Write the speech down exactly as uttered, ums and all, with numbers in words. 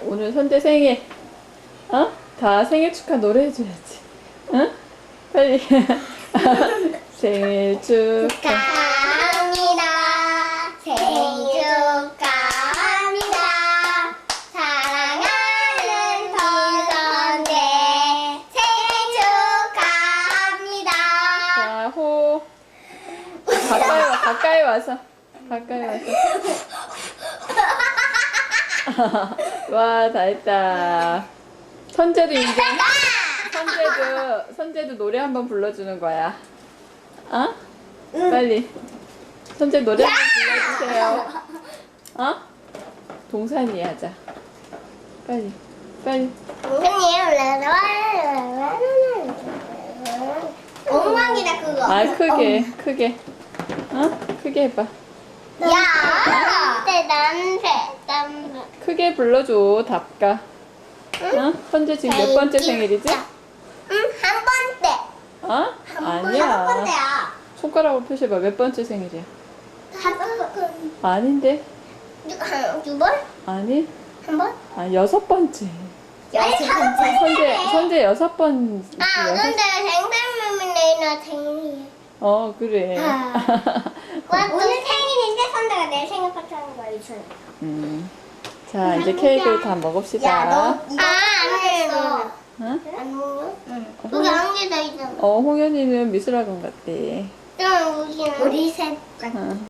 오늘 선재 생일. 어? 다 생일 축하 노래 해줘야지. 응? 빨리. 생일 축하. 축하합니다. 생일 축하합니다. 사랑하는 서선재 생일 축하합니다. 자, 호. 가까이 와, 가까이 와서. 가까이 와서. 와, 다 했다. 선재도 이제, 선재도, 선재도 노래 한번 불러주는 거야. 어? 빨리. 선재 노래 한번 불러주세요. 어? 동산이 하자. 빨리, 빨리. 엉망이다 그거. 아, 크게, 크게. 어? 크게 해봐. 야, 내 남새, 남새. 크게 불러줘, 답가. 어? 선재 지금 몇 번째 생일이지? 응, 한 번째. 어? 한 번, 아니야. 한 번째야. 손가락으로 표시해봐. 몇 번째 생일이야? 다섯 번. 아닌데? 한, 두 번? 아니? 한 번? 아, 여섯 번째. 아니, 다섯 번째. 선재, 선재 여섯 번. 아, 여섯- 근데 생생님이 내일 생일이야. 어, 그래. 아. 오늘 생일인데 선배가 내일 생일 파티 하는 거야, 이천에. 음. 자, 이제 케이크를 다 먹읍시다. 아, 안 됐어. 응? 안 먹어? 응. 여기 안개다 있잖아. 어, 홍현이는 미술학원 갔대. 그럼 우리는 우리 셋. 응.